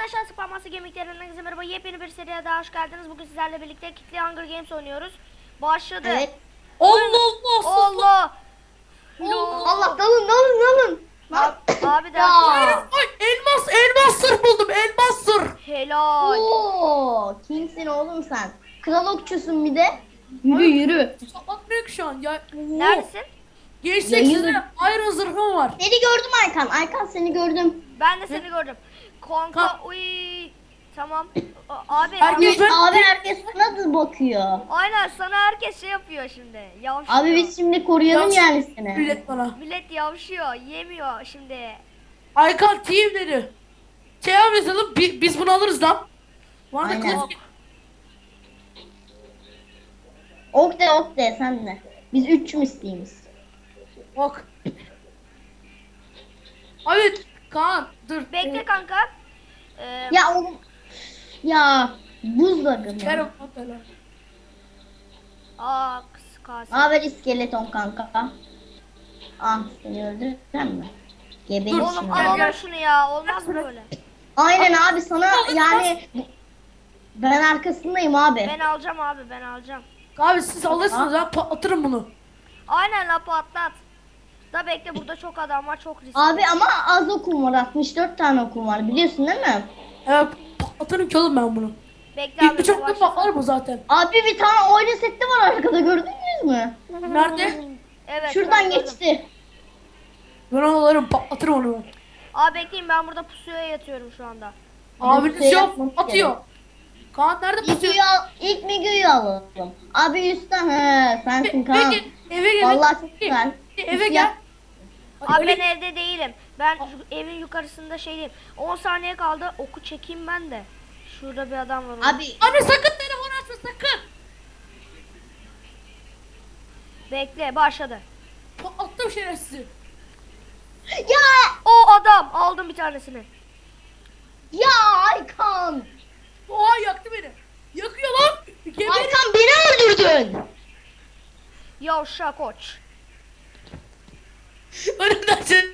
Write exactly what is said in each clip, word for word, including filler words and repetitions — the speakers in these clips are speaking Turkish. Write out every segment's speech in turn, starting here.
arkadaşlar, Spamması Gemiklerinin herkese merhaba. Yepyeni bir seriye daha hoş geldiniz. Bugün sizlerle birlikte Kitli Hunger Games oynuyoruz. Başladı. Evet. Allah Allah. Allah. Allah. Allah dalın dalın dalın. Lan. Abi, abi de Ya. Ay elmas elmas sır buldum elmas sır. helal. Oo, kimsin oğlum sen? Kral okçusun bir de. Yürü yürü. Atmıyor ki şu an ya. Oo. Neredesin? Gençlik Yayın- size iron zırhım var. Seni gördüm Aykan. Aykan seni gördüm. Ben de seni gördüm. Konka Ka- uy. Tamam. A- Abi, Herkes- abi ben- Abi herkes sana da bakıyor. aynen sana herkes şey yapıyor şimdi. Yavşıyor. Abi biz şimdi koruyalım Ya- yani seni. Millet bana. Millet yavşıyor. Yemiyor şimdi. Aykan team dedi. Şey yapalım bi- biz bunu alırız lan. Bu arada Aynen. kılıç- Ok de ok de sen de. Biz üç misliyiz. Bak. Abi Kaan dur. Bekle Ee, kanka. Ee, Ya oğlum. Ya buzdolabı Ver mı? o falan. Aa kız kalsın. Haber iskeleton kanka. Ah seni öldürürsen mi? Geberir Dur, Oğlum şimdi. gel, alalım gel. şunu ya. Olmaz mı böyle? Aynen abi sana yani ben arkasındayım abi. Ben alacağım abi, ben alacağım. Abi siz alırsınız ha patlatırım bunu. Aynen la, patlat. Da bekle, burada çok adam var, çok riskli. Abi ama az okum var. altmış dört tane okum var. Biliyorsun değil mi? Evet patlatırım ki oğlum ben bunu. Bekle İlk abi. bıçakla yavaş. patlar bu zaten. Abi bir tane oyun seti var arkada gördünüz mü? Nerede? Evet. Şuradan ben gördüm. geçti. Ben onu alırım patlatırım onu ben. Abi bekleyin, ben burada pusuya yatıyorum şu anda. Abiniz şey yok yapmamız atıyor. Kaan nerede pusuyor? Migu'yu al, ilk Migu'yu alalım. Abi üstten he sensin Kaan. Eve gel. Eve gel. Vallahi çok güzel. Eve gel. Abi Öyle- ben evde değilim. Ben şu evin yukarısında şeydeyim. on saniye kaldı, oku çekeyim ben de. Şurada bir adam var. onu- Abi Abi sakın telefonu açma sakın. Bekle, başladı. Attım şerefsizi. ya O adam, aldım bir tanesini. ya Aykan. Oha yaktı beni. Yakıyor lan. Geber. Aykan beni öldürdün. Yavşa koç. Önümden sen.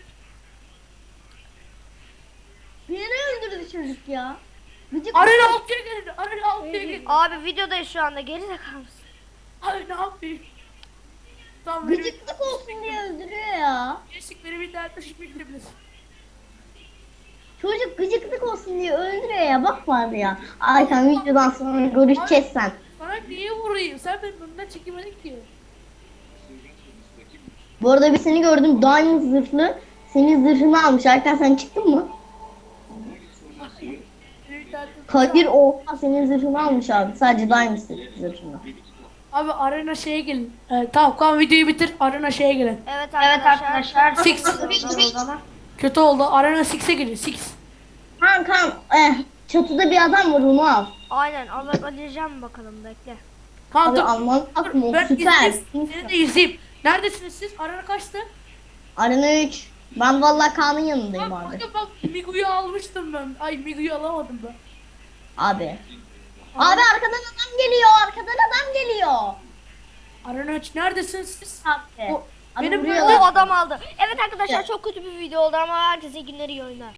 Beni öldürdü çocuk ya. Gıcık. Arena altıya gelin. Arena altıya gelin. Abi videodayız şu anda, geri zekalı mısın? Abi ne yapayım? Tamam benim Gıcıklık olsun diye öldürüyor ya. gençlik benim internetle şifre girebilir. Çocuk gıcıklık olsun diye öldürüyor ya. Bak vardı ya. Aykan videodan sonra görüşeceğiz sen. Sana niye vurayım? Sen benim önümden çekemedin ki. Bu arada bir seni gördüm. Diamond zırhlı. Senin zırhını almış. Aykan sen çıktın mı? Benim internetim- Kadir oha senin zırhını almış abi. Sadece Diamond zırhını. Abi arena şeye gelin. Ee, tamam Kaan videoyu bitir. Arena şeye gelin. Evet arkadaşlar. Six. Kötü oldu. Arena altıya gelin. altı. Kan kan. Eh, çatıda bir adam var onu al. Aynen, al- alacağım bakalım, bekle. Kaan Abi dur. alman lazım. O Ben süper. izleyeyim. Seni de izleyeyim. Neredesiniz siz? Arena kaçtı? Arena üç. Ben vallahi Kaan'ın yanındayım Bak, abi. bak, bak Migu'yu almıştım ben. Ay Migu'yu alamadım ben. Abi. Abi arkadan adam geliyor. Arkadan adam geliyor. Arena üç neredesiniz siz? Abi. O- Abi benim vuruyor O lan. adam aldı. Evet arkadaşlar, çok kötü bir video oldu ama herkese iyi günler, iyi oyunlar.